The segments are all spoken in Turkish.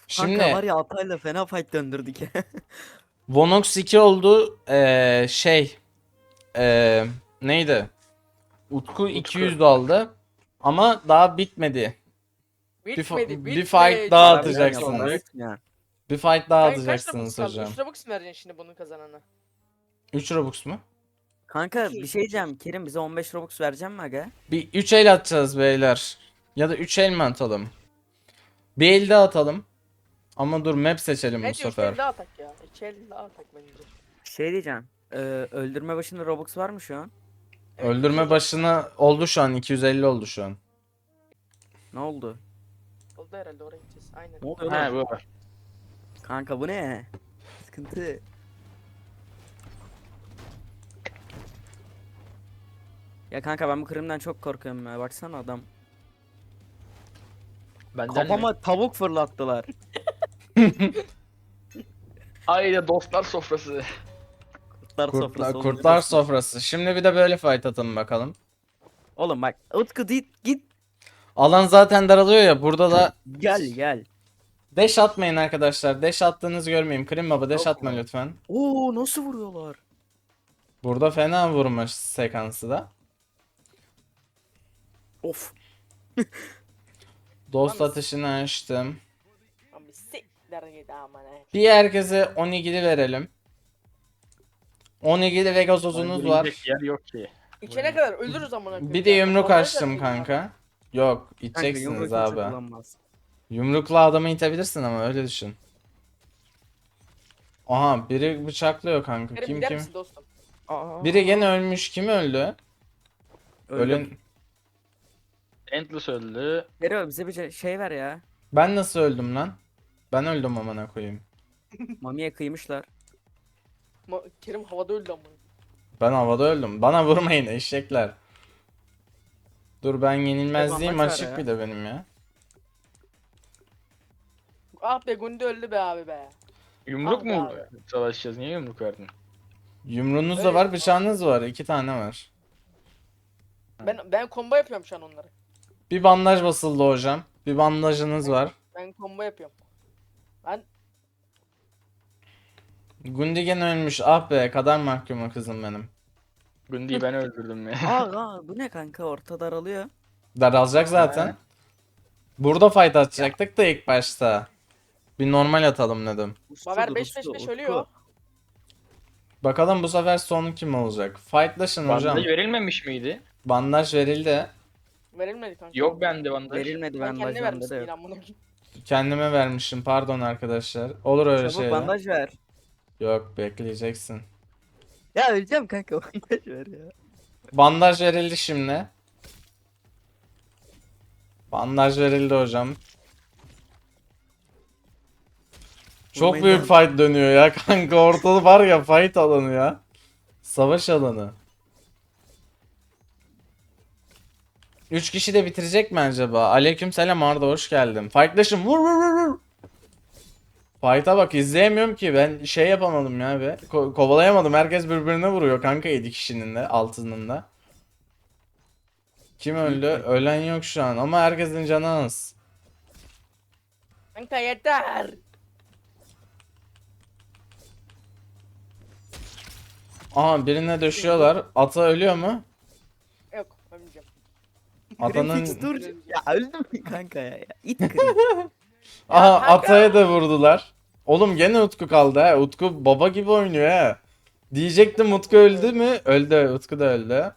Kanka var Şimdi ya Atay'la fena fight döndürdük. Vonox 2 oldu. Neydi? Utku Utku. 200 aldı. Ama daha bitmedi. Bitmedi Bir fight bitmedi. daha Para Bitmeden bitmiyor, sonra- para atacaksınız. bitmiyor. Bir fight daha Kanka kaç Robux atacaksınız kaldı? hocam. 3 Robux mu vereceksin şimdi bunun kazanana? 3 Robux mu? Kanka İki, bir şey iki. diyeceğim. Kerim bize 15 Robux verecek mi aga? Bir 3 el atacağız beyler. Ya da 3 el mi atalım? Bir el daha atalım. Ama dur map seçelim bu Bence 3 sefer. el daha atak ya. 2 el daha atak bence. Şey diyeceğim. Öldürme başında Robux var mı şu an? Evet, Öldürme iki başına oldu şu an. 250 oldu şu an. Ne oldu? oldu herhalde oraya gideceğiz. Aynen. Ne oluyor Ha lan? bu var. Kanka bu ne? Sıkıntı. Ya kanka ben bu Kırım'dan çok korkuyorum ya. Baksana adam. Benden Kafama mi? tavuk fırlattılar. Haydi dostlar sofrası. Kurtlar sofrası olunca Kurtlar dostum. sofrası. Şimdi bir de böyle fight atalım bakalım. Oğlum bak Utku git. Alan zaten daralıyor ya. Burada da Gel. dash atmayın arkadaşlar. Dash attığınızı görmeyeyim. Krim baba dash Yok atma mu? lütfen. Oo nasıl vuruyorlar? Burada fena vurma sekansı da. Of. Dost Yalnız- atışını açtım. Abi siktir git aman he. Bir herkese onigiri verelim. Onigiri ve gazozunuz var. Yiyecek yer yok ki. İçene kadar ölürüz amına koyayım. Bir de ya. yumruk Kafamı açtım verdim kanka. Yok Kanka içeceksiniz yumruğu kimse abi. kullanmaz. Yumrukla adamı itebilirsin ama öyle düşün. Aha biri bıçaklıyor kanka. Kerim Kim gider kim? misin dostum? Aa. Biri gene ölmüş. Kim öldü? Öldüm. Ölen... Endless öldü. Hero bize bir şey ver ya. Ben nasıl öldüm lan? Ben öldüm amına koyayım. Mamiye kıymışlar. Kerim havada öldü amına. Ben havada öldüm. Bana vurmayın eşekler. Dur ben yenilmezliğim maç var açık ya. bir de benim ya. Ah be Gundi öldü be abi be. Yumruk Abi, mu abi. savaşacağız? Niye yumruk verdin? Yumruğunuz da Öyle. var, bıçağınız var. 2 tane var. Ben combo yapıyorum şu an onları. Bir bandaj basıldı hocam. Bir bandajınız var. Ben combo yapıyorum. Ben Gundigen ölmüş. Ah be, kadar mahkuma kızım benim. Gundy'yi ben öldürdüm ya. Aa bu ne kanka orta daralıyor. Daralacak zaten. Burada fight atacaktık da ilk başta. Bir normal atalım dedim. Baver Usludur, 5-5-5 uslu, ölüyor. Utku. Bakalım bu sefer son kim olacak? Fightlaşın hocam. Bandaj verilmemiş miydi? Bandaj verildi. Verilmedi kanka. Yok bende bandaj. Verilmedi Ben bandaj kendine bende vermişsin de yine yok. amına koyayım. Kendime vermişim. Pardon arkadaşlar. Olur öyle Çabuk şeyler. bandaj ver. Yok bekleyeceksin. Ya öleceğim kanka bandaj ver ya. Bandaj verildi şimdi. Bandaj verildi hocam. Çok Vurmayın büyük lan. fight dönüyor ya kanka. Ortada var ya fight alanı ya. Savaş alanı. 3 kişi de bitirecek mi acaba? Aleykümselam Arda, hoş geldin. Fightlaşın, vur vur vur vur. Fight'a bak, izleyemiyorum ki ben, şey yapamadım ya be. Kovalayamadım, herkes birbirine vuruyor kanka, 7 kişinin de altının da. Kim öldü? Ölen yok şu an ama herkesin canı az. Kanka yeter. Aha birine döşüyorlar. Ata ölüyor mu? Yok ölmeyeceğim. Grimfix Atanın... dur. Ya öldüm kanka ya. İt kırayım. Aha kanka. Ata'ya da vurdular. Oğlum gene Utku kaldı ha. Utku baba gibi oynuyor ha. Diyecektim Utku öldü mü? Öldü. Utku da öldü.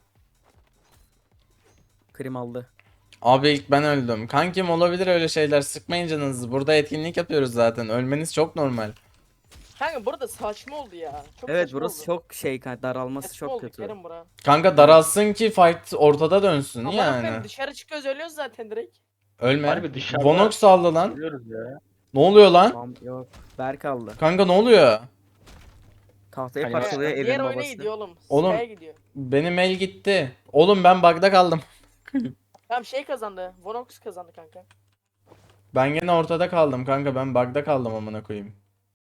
Krim aldı. Abi ilk ben öldüm. Kankim olabilir öyle şeyler. Sıkmayın canınızı. Burada etkinlik yapıyoruz zaten. Ölmeniz çok normal. Kanka burada saçma oldu ya. Çok Evet saçma burası oldu. çok şey kanka daralması Saçma çok oldu kötü. Kerim bura. Kanka daralsın ki fight ortada dönsün Aman yani. yani. Dışarı çıkıyoruz ölüyoruz zaten direkt. Ölme. Harbi dışarıda- Vonox saldı lan. Biliyoruz ya. Ne oluyor lan? Tamam yok. Berk aldı. Kanka ne oluyor? Tahtayı Hani- parçalıyor Diğer evin oyuna babası. gidiyor oğlum. Oğlum. Sky'a gidiyor. Benim el gitti. Oğlum ben bug'da kaldım. Tamam şey kazandı. Vonox kazandı kanka. Ben gene ortada kaldım kanka. Ben bug'da kaldım amına koyayım.